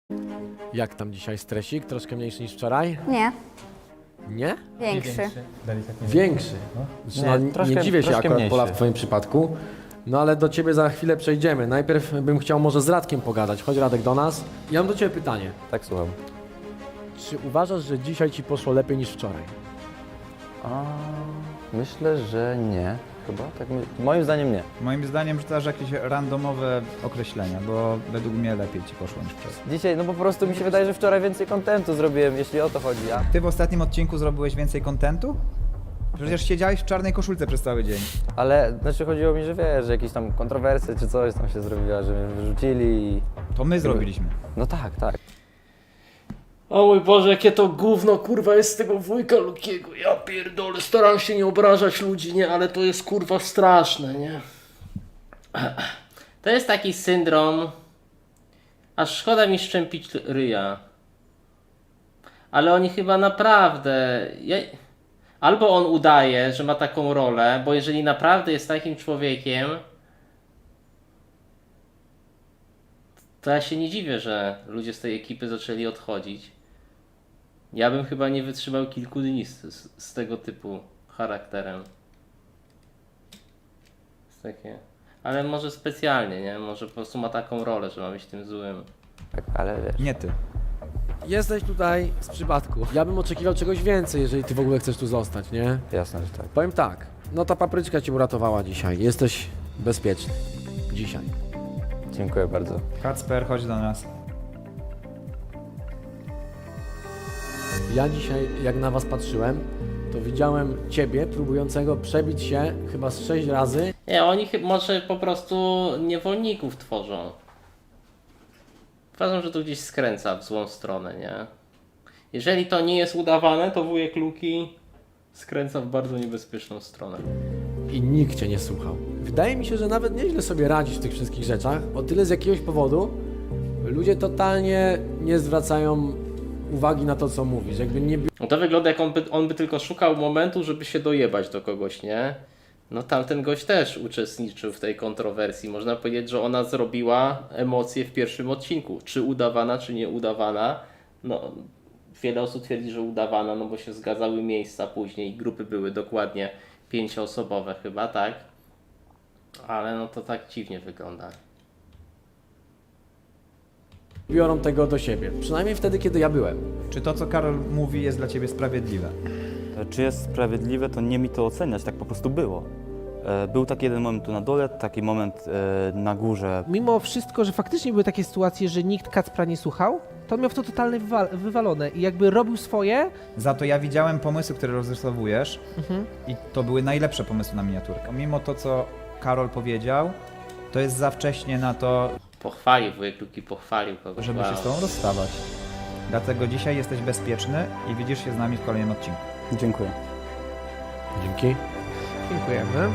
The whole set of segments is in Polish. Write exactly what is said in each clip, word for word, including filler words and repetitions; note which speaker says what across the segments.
Speaker 1: Jak tam dzisiaj stresik? Troszkę mniejszy niż wczoraj?
Speaker 2: Nie,
Speaker 1: Nie?
Speaker 2: większy.
Speaker 1: Większy. Znaczy, no,
Speaker 3: Nie,
Speaker 1: nie,
Speaker 3: troszkę-
Speaker 1: nie dziwię się
Speaker 3: troszkę
Speaker 1: akurat,
Speaker 3: mniejszy.
Speaker 1: Pola, w twoim przypadku. No ale do ciebie za chwilę przejdziemy. Najpierw bym chciał może z Radkiem pogadać. Chodź Radek do nas. Ja mam do ciebie pytanie.
Speaker 3: Tak, słucham.
Speaker 1: Czy uważasz, że dzisiaj ci poszło lepiej niż wczoraj?
Speaker 3: A, myślę, że nie. Chyba? Tak, my- moim zdaniem nie.
Speaker 4: Moim zdaniem rzucasz jakieś randomowe określenia, bo według mnie lepiej ci poszło niż wczoraj.
Speaker 3: Dzisiaj, no po prostu mi się wydaje, że wczoraj więcej kontentu zrobiłem, jeśli o to chodzi. A...
Speaker 4: Ty w ostatnim odcinku zrobiłeś więcej kontentu? Przecież siedziałeś w czarnej koszulce przez cały dzień.
Speaker 3: Ale znaczy chodziło mi, że wiesz, że jakieś tam kontrowersje czy coś tam się zrobiła, że mnie wyrzucili i...
Speaker 4: To my zrobiliśmy.
Speaker 3: No tak, tak.
Speaker 5: O mój Boże, jakie to gówno, kurwa, jest z tego wujka Lukiego. Ja pierdolę, staram się nie obrażać ludzi, nie, ale to jest kurwa straszne, nie? To jest taki syndrom, aż szkoda mi szczępić ryja. Ale oni chyba naprawdę... Ja... Albo on udaje, że ma taką rolę, bo jeżeli naprawdę jest takim człowiekiem, to ja się nie dziwię, że ludzie z tej ekipy zaczęli odchodzić. Ja bym chyba nie wytrzymał kilku dni z, z, z tego typu charakterem. Jest takie. Ale może specjalnie, nie? Może po prostu ma taką rolę, że ma być tym złym.
Speaker 3: tak ale wiesz.
Speaker 4: Nie ty.
Speaker 1: Jesteś tutaj z przypadku. Ja bym oczekiwał czegoś więcej, jeżeli ty w ogóle chcesz tu zostać, nie?
Speaker 3: Jasne, że tak.
Speaker 1: Powiem tak. No ta papryczka cię uratowała dzisiaj. Jesteś bezpieczny. Dzisiaj.
Speaker 3: Dziękuję bardzo.
Speaker 4: Kacper, chodź do nas.
Speaker 1: Ja dzisiaj, jak na was patrzyłem, to widziałem ciebie próbującego przebić się chyba z sześć razy.
Speaker 5: Nie, oni chy- może po prostu niewolników tworzą. Uważam, że to gdzieś skręca w złą stronę, nie? Jeżeli to nie jest udawane, to wujek Luki skręca w bardzo niebezpieczną stronę.
Speaker 1: I nikt cię nie słuchał. Wydaje mi się, że nawet nieźle sobie radzisz w tych wszystkich rzeczach. O tyle z jakiegoś powodu ludzie totalnie nie zwracają uwagi na to, co mówisz. Jakby nie
Speaker 5: No to wygląda, jak on by, on by tylko szukał momentu, żeby się dojebać do kogoś, nie? No tamten gość też uczestniczył w tej kontrowersji. Można powiedzieć, że ona zrobiła emocje w pierwszym odcinku. Czy udawana, czy nie udawana. No, wiele osób twierdzi, że udawana, no bo się zgadzały miejsca później. Grupy były dokładnie pięcioosobowe chyba, tak? Ale no to tak dziwnie wygląda.
Speaker 1: biorą tego do siebie. Przynajmniej wtedy, kiedy ja byłem.
Speaker 4: Czy to, co Karol mówi, jest dla ciebie sprawiedliwe?
Speaker 6: To Czy jest sprawiedliwe, to nie mi to oceniać, tak po prostu było. E, Był taki jeden moment tu na dole, taki moment e, na górze.
Speaker 7: Mimo wszystko, że faktycznie były takie sytuacje, że nikt Kacpra nie słuchał, to on miał w to totalnie wywal- wywalone i jakby robił swoje.
Speaker 4: Za to ja widziałem pomysły, które rozrysowujesz
Speaker 7: Mhm.
Speaker 4: i to były najlepsze pomysły na miniaturkę. Mimo to, co Karol powiedział, to jest za wcześnie na to,
Speaker 5: Pochwalił, wujek Luki pochwalił kogoś.
Speaker 4: żeby się
Speaker 5: Wow.
Speaker 4: z tobą rozstawać. Dlatego dzisiaj jesteś bezpieczny i widzisz się z nami w kolejnym odcinku.
Speaker 6: Dziękuję.
Speaker 1: Dzięki.
Speaker 7: Dziękujemy.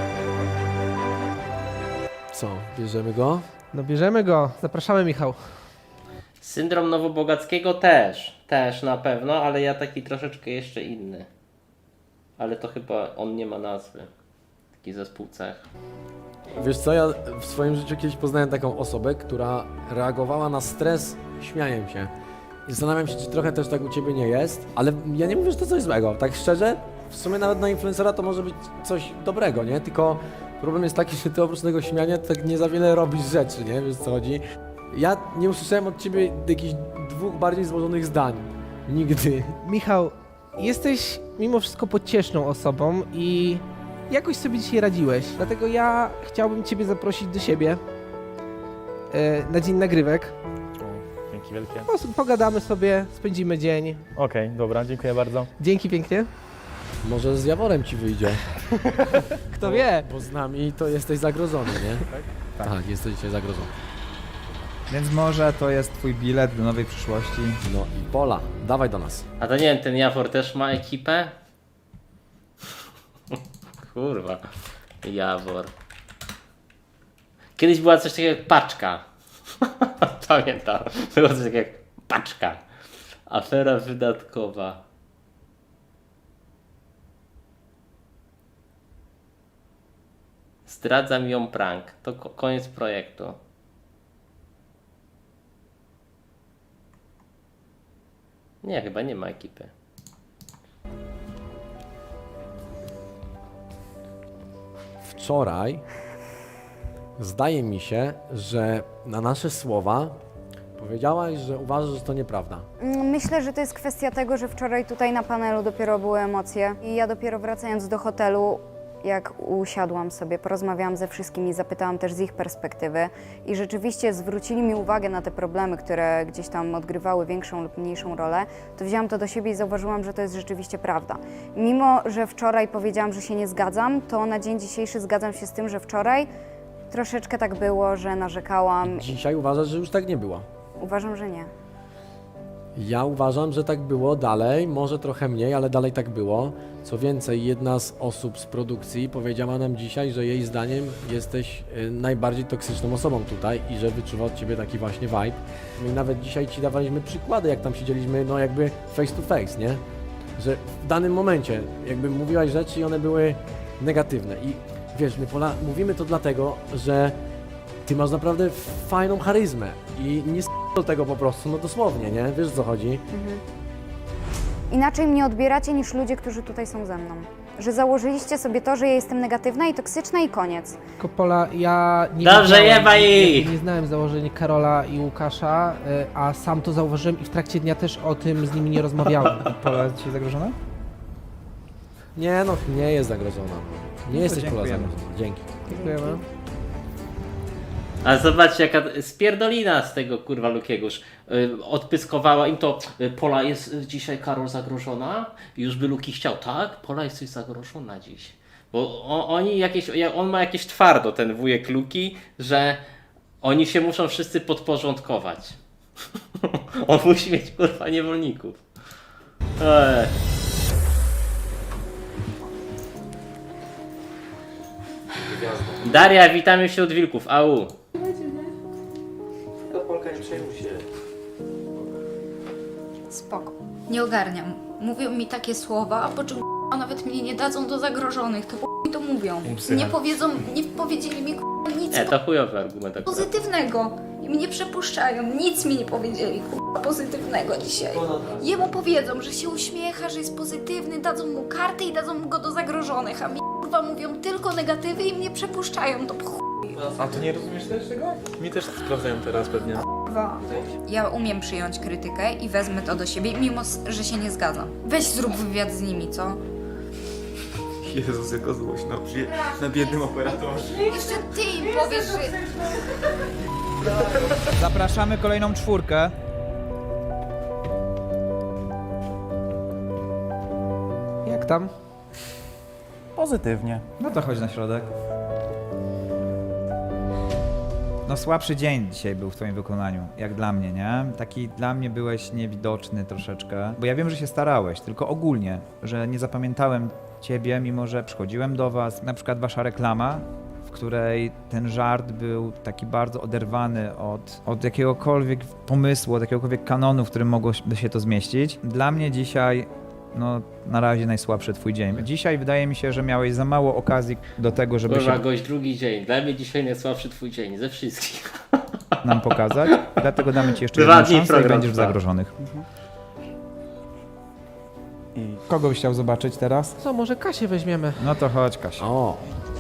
Speaker 1: Co, bierzemy go?
Speaker 7: No bierzemy go. Zapraszamy, Michał.
Speaker 5: Syndrom Nowobogackiego też, też na pewno, ale ja taki troszeczkę jeszcze inny. Ale to chyba on nie ma nazwy. Taki zespół cech.
Speaker 1: Wiesz co, ja w swoim życiu kiedyś poznałem taką osobę, która reagowała na stres śmianiem się. I zastanawiam się, czy trochę też tak u ciebie nie jest, ale ja nie mówię, że to coś złego. Tak szczerze, w sumie nawet na influencera to może być coś dobrego, nie? Tylko problem jest taki, że ty oprócz tego śmiania tak nie za wiele robisz rzeczy, nie? Wiesz, co chodzi? Ja nie usłyszałem od ciebie jakichś dwóch bardziej złożonych zdań. Nigdy.
Speaker 7: Michał, jesteś mimo wszystko pocieszną osobą i jakoś sobie dzisiaj radziłeś. Dlatego ja chciałbym ciebie zaprosić do siebie e, na dzień nagrywek.
Speaker 8: Dzięki wielkie.
Speaker 7: Po prostu pogadamy sobie, spędzimy dzień.
Speaker 8: Okej, dobra, dziękuję bardzo.
Speaker 7: Dzięki pięknie.
Speaker 1: Może z Jaworem ci wyjdzie.
Speaker 7: Kto wie?
Speaker 1: Bo z nami to jesteś zagrożony, nie?
Speaker 4: Tak.
Speaker 1: Tak, jesteś dzisiaj zagrożony.
Speaker 4: Więc może to jest twój bilet do nowej przyszłości.
Speaker 1: No i Pola, dawaj do nas.
Speaker 5: A to nie wiem, ten Jawor też ma ekipę? Kurwa. Jawor. Kiedyś była coś takiego jak paczka. Pamiętam. Było coś takiego jak paczka. Afera wydatkowa. Zdradzam ją prank. To ko- koniec projektu. Nie, chyba nie ma ekipy.
Speaker 1: Wczoraj zdaje mi się, że na nasze słowa powiedziałaś, że uważasz, że to nieprawda.
Speaker 2: Myślę, że to jest kwestia tego, że wczoraj tutaj na panelu dopiero były emocje i ja dopiero wracając do hotelu, jak usiadłam sobie, porozmawiałam ze wszystkimi, zapytałam też z ich perspektywy i rzeczywiście zwrócili mi uwagę na te problemy, które gdzieś tam odgrywały większą lub mniejszą rolę, to wzięłam to do siebie i zauważyłam, że to jest rzeczywiście prawda. Mimo, że wczoraj powiedziałam, że się nie zgadzam, to na dzień dzisiejszy zgadzam się z tym, że wczoraj troszeczkę tak było, że narzekałam.
Speaker 1: Dzisiaj uważasz, że już tak nie było.
Speaker 2: Uważam, że nie.
Speaker 1: Ja uważam, że tak było dalej, może trochę mniej, ale dalej tak było. Co więcej, jedna z osób z produkcji powiedziała nam dzisiaj, że jej zdaniem jesteś y, najbardziej toksyczną osobą tutaj i że wyczuwa od ciebie taki właśnie vibe. My nawet dzisiaj ci dawaliśmy przykłady, jak tam siedzieliśmy, no jakby face to face, nie? Że w danym momencie jakby mówiłaś rzeczy i one były negatywne. I wiesz, my Pola, mówimy to dlatego, że ty masz naprawdę fajną charyzmę i nie s*** do tego po prostu, no dosłownie, nie? Wiesz, o co chodzi?
Speaker 2: Inaczej mnie odbieracie niż ludzie, którzy tutaj są ze mną. Że założyliście sobie to, że ja jestem negatywna i toksyczna i koniec.
Speaker 7: Kopola, ja nie
Speaker 5: Dobrze,
Speaker 7: wiedziałem,
Speaker 5: jebaj
Speaker 7: nie,
Speaker 5: ich!
Speaker 7: nie znałem założeń Karola i Łukasza, y, a sam to zauważyłem i w trakcie dnia też o tym z nimi nie rozmawiałem.
Speaker 4: Pola jest dzisiaj zagrożona?
Speaker 1: Nie no, nie jest zagrożona. Nie jesteś Pola
Speaker 4: dziękujemy.
Speaker 1: zagrożona. Dzięki.
Speaker 7: Dziękujemy.
Speaker 5: A zobaczcie, jaka spierdolina z tego kurwa Lukiegoż. Yy, odpyskowała im to, y, Pola jest y, dzisiaj Karol zagrożona. I już by Luki chciał, tak? Pola jesteś zagrożona dziś. Bo o, oni jakieś, ja- on ma jakieś twardo, ten wujek Luki, że oni się muszą wszyscy podporządkować. On musi mieć kurwa niewolników. Ej. Daria, witamy wśród wilków, au.
Speaker 9: Spoko. Nie ogarniam. Mówią mi takie słowa, a po czym a nawet mnie nie dadzą do zagrożonych, to mi to mówią. Nie powiedzą, nie powiedzieli mi nic
Speaker 5: Nie, to chujowy argument akurat.
Speaker 9: pozytywnego. I mnie przepuszczają, nic mi nie powiedzieli k***a, pozytywnego dzisiaj. Jemu powiedzą, że się uśmiecha, że jest pozytywny, dadzą mu kartę i dadzą go do zagrożonych, a mi kurwa mówią tylko negatywy i mnie przepuszczają, to chuj.
Speaker 8: A ty nie rozumiesz też tego? Mi też sprawdzają teraz pewnie.
Speaker 9: Kurwa. Ja umiem przyjąć krytykę i wezmę to do siebie, mimo że się nie zgadzam. Weź zrób wywiad z nimi, co?
Speaker 8: Jezus, jaka złość na, na biednym operatorze.
Speaker 9: Jeszcze ty im powiesz, że...
Speaker 4: Zapraszamy kolejną czwórkę.
Speaker 7: Jak tam?
Speaker 6: Pozytywnie.
Speaker 4: No to chodź na środek. No słabszy dzień dzisiaj był w twoim wykonaniu, jak dla mnie, nie? Taki dla mnie byłeś niewidoczny troszeczkę, bo ja wiem, że się starałeś, tylko ogólnie, że nie zapamiętałem ciebie, mimo że przychodziłem do was, na przykład wasza reklama, w której ten żart był taki bardzo oderwany od, od jakiegokolwiek pomysłu, od jakiegokolwiek kanonu, w którym mogło się to zmieścić. Dla mnie dzisiaj, no na razie najsłabszy twój dzień. Dzisiaj wydaje mi się, że miałeś za mało okazji do tego, żeby
Speaker 5: Kurwa,
Speaker 4: się
Speaker 5: gość drugi dzień. Dla mnie dzisiaj najsłabszy twój dzień, ze wszystkich.
Speaker 4: nam pokazać, dlatego damy ci jeszcze
Speaker 5: Dwa
Speaker 4: jedną
Speaker 5: dni
Speaker 4: szansę i
Speaker 5: program
Speaker 4: będziesz w
Speaker 5: trwa.
Speaker 4: zagrożonych.
Speaker 6: I
Speaker 4: Kogo byś chciał zobaczyć teraz?
Speaker 7: Co, może Kasię weźmiemy?
Speaker 4: No to chodź, Kasia.
Speaker 1: O,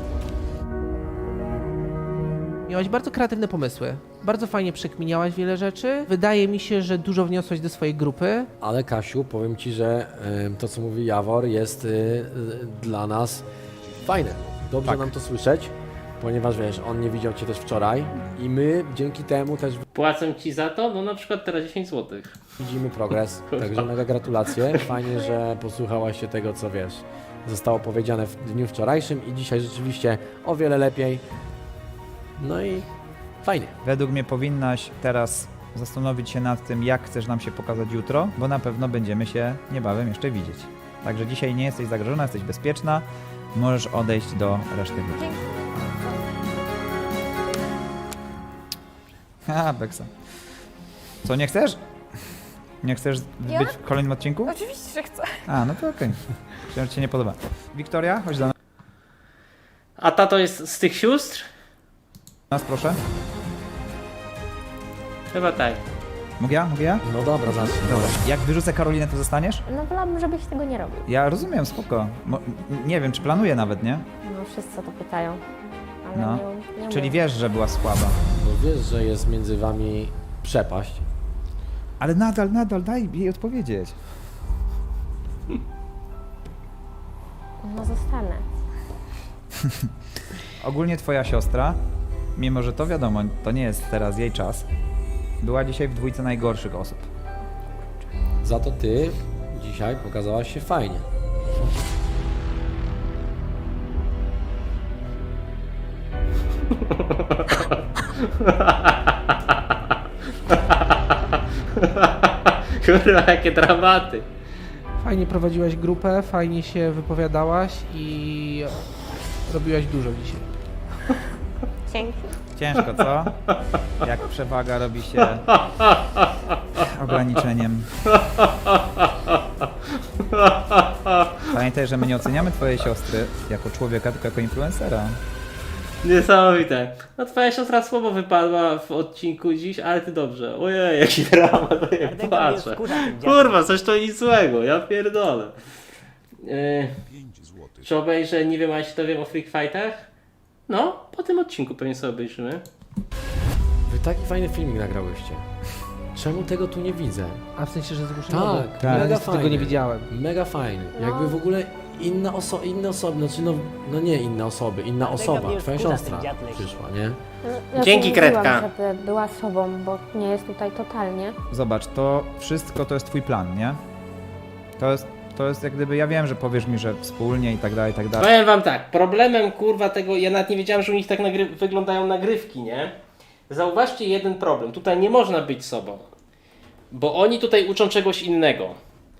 Speaker 7: Miałaś bardzo kreatywne pomysły. Bardzo fajnie przekminiałaś wiele rzeczy. Wydaje mi się, że dużo wniosłaś do swojej grupy.
Speaker 1: ale Kasiu, powiem ci, że y, to co mówi Jawor jest y, y, dla nas fajne. Dobrze
Speaker 4: Tak.
Speaker 1: nam to słyszeć, ponieważ wiesz, on nie widział cię też wczoraj i my dzięki temu też
Speaker 5: Płacę ci za to? No na przykład teraz dziesięć złotych.
Speaker 1: widzimy progres. Także mega gratulacje. Fajnie, że posłuchałaś się tego, co wiesz, zostało powiedziane w dniu wczorajszym i dzisiaj rzeczywiście o wiele lepiej. No i fajnie.
Speaker 4: Według mnie powinnaś teraz zastanowić się nad tym, jak chcesz nam się pokazać jutro, bo na pewno będziemy się niebawem jeszcze widzieć. Także dzisiaj nie jesteś zagrożona, jesteś bezpieczna, możesz odejść do reszty grupy. Ha, Beksa. Co, nie chcesz? Nie chcesz
Speaker 9: Ja?
Speaker 4: być w kolejnym odcinku?
Speaker 9: Oczywiście, że chcę.
Speaker 4: A, no to okej. Myślałem, że ci nie podoba. Wiktoria, chodź do
Speaker 5: A tato jest z tych sióstr?
Speaker 4: nas, proszę.
Speaker 5: Chyba tak.
Speaker 4: Mogę ja? Mogę ja?
Speaker 1: No dobra, zacznij.
Speaker 4: Dobra. Jak wyrzucę Karolinę, to zostaniesz?
Speaker 10: No wolałabym, żebyś tego nie robił.
Speaker 4: Ja rozumiem, spoko. Mo- nie wiem, czy planuję nawet, nie?
Speaker 10: No wszyscy o to pytają. Ale
Speaker 4: No.
Speaker 10: nie, nie
Speaker 4: Czyli
Speaker 10: mówię.
Speaker 4: wiesz, że była słaba.
Speaker 1: Bo wiesz, że jest między wami przepaść.
Speaker 4: Ale nadal, nadal, daj jej odpowiedzieć.
Speaker 10: No zostanę.
Speaker 4: Ogólnie twoja siostra, mimo że to wiadomo, to nie jest teraz jej czas, była dzisiaj w dwójce najgorszych osób.
Speaker 1: Za to ty dzisiaj pokazałaś się fajnie.
Speaker 5: Kurwa, jakie dramaty.
Speaker 7: Fajnie prowadziłaś grupę, fajnie się wypowiadałaś i robiłaś dużo dzisiaj.
Speaker 10: Dzięki.
Speaker 4: Ciężko, co? Jak przewaga robi się ograniczeniem. Pamiętaj, że my nie oceniamy twojej siostry jako człowieka, tylko jako influencera.
Speaker 5: Niesamowite. No twoja siostra słabo wypadła w odcinku dziś, ale ty dobrze. Ojej, jaki dramat, to jak patrzę. Kurwa, coś to nic złego, ja pierdolę. Yy, czy obejrzę, nie wiem, a jeśli to wiem o Freak Fightach? No, po tym odcinku pewnie sobie obejrzymy.
Speaker 1: Wy taki fajny filmik nagrałyście. Czemu tego tu nie widzę?
Speaker 7: A w sensie, że zgłoszono?
Speaker 1: Tak,
Speaker 7: Ja
Speaker 1: mega
Speaker 7: niestety
Speaker 1: fajny.
Speaker 7: tego nie widziałem.
Speaker 1: Mega fajny.
Speaker 10: No.
Speaker 1: Jakby w ogóle inne, oso inne osoby, znaczy no, no nie inne osoby, inna osoba, twoja siostra przyszła, nie?
Speaker 10: Ja
Speaker 5: Dzięki,
Speaker 10: mówiłam,
Speaker 5: Kredka.
Speaker 10: żeby była sobą, bo nie jest tutaj totalnie.
Speaker 4: Zobacz, to wszystko to jest twój plan, nie? To jest, to jest jak gdyby, ja wiem, że powiesz mi, że wspólnie i tak dalej, i tak dalej.
Speaker 5: Powiem wam tak, problemem kurwa tego, ja nawet nie wiedziałem, że u nich tak nagry wyglądają nagrywki, nie? Zauważcie jeden problem, tutaj nie można być sobą, bo oni tutaj uczą czegoś innego.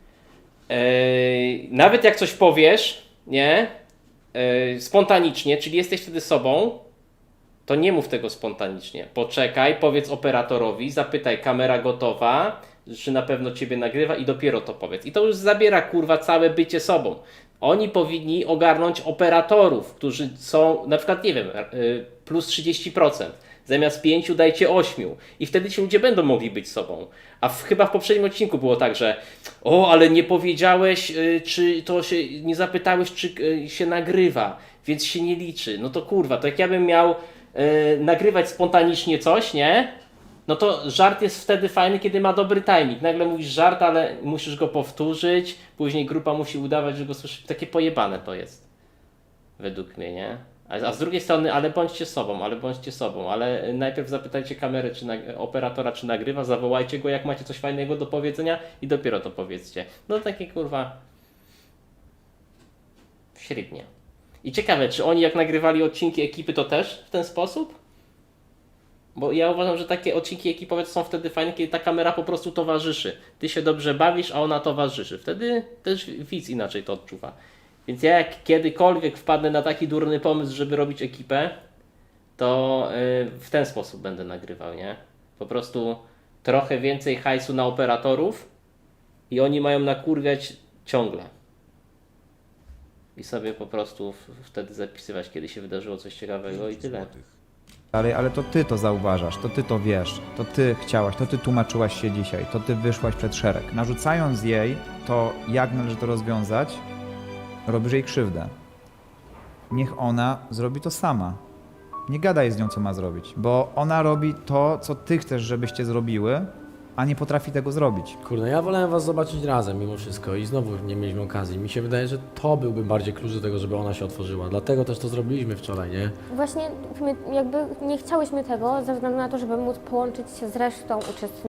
Speaker 5: Eee, nawet jak coś powiesz, nie? Eee, spontanicznie, czyli jesteś wtedy sobą, to nie mów tego spontanicznie. Poczekaj, powiedz operatorowi, zapytaj, kamera gotowa, czy na pewno ciebie nagrywa i dopiero to powiedz. I to już zabiera kurwa całe bycie sobą. Oni powinni ogarnąć operatorów, którzy są na przykład, nie wiem, y, plus trzydzieści procent. Zamiast pięciu dajcie ośmiu. I wtedy ci ludzie będą mogli być sobą. A w, chyba w poprzednim odcinku było tak, że o, ale nie powiedziałeś, y, czy to się, nie zapytałeś, czy y, się nagrywa, więc się nie liczy. No to kurwa, to jak ja bym miał y, nagrywać spontanicznie coś, nie? No to żart jest wtedy fajny, kiedy ma dobry timing. Nagle mówisz żart, ale musisz go powtórzyć, później grupa musi udawać, że go słyszy. Takie pojebane to jest. Według mnie, nie? A, a z drugiej strony, ale bądźcie sobą, ale bądźcie sobą, ale najpierw zapytajcie kamerę, czy nag- operatora, czy nagrywa, zawołajcie go, jak macie coś fajnego do powiedzenia i dopiero to powiedzcie. No takie kurwa... średnie. I ciekawe, czy oni jak nagrywali odcinki ekipy, to też w ten sposób? Bo ja uważam, że takie odcinki ekipowe są wtedy fajne, kiedy ta kamera po prostu towarzyszy. Ty się dobrze bawisz, a ona towarzyszy. Wtedy też widz inaczej to odczuwa. Więc ja jak kiedykolwiek wpadnę na taki durny pomysł, żeby robić ekipę, to yy, w ten sposób będę nagrywał, nie? Po prostu trochę więcej hajsu na operatorów i oni mają nakurwiać ciągle. I sobie po prostu w, wtedy zapisywać, kiedy się wydarzyło coś ciekawego i tyle.
Speaker 4: Ale, ale to ty to zauważasz, to ty to wiesz, to ty chciałaś, to ty tłumaczyłaś się dzisiaj, to ty wyszłaś przed szereg. Narzucając jej to, jak należy to rozwiązać, robisz jej krzywdę. Niech ona zrobi to sama. Nie gadaj z nią, co ma zrobić, bo ona robi to, co ty chcesz, żebyście zrobiły, a nie potrafi tego zrobić.
Speaker 1: Kurde, ja wolałem was zobaczyć razem mimo wszystko i znowu nie mieliśmy okazji. Mi się wydaje, że to byłby bardziej klucz do tego, żeby ona się otworzyła. Dlatego też to zrobiliśmy wczoraj, nie?
Speaker 10: Właśnie my jakby nie chciałyśmy tego ze względu na to, żeby móc połączyć się z resztą uczestników.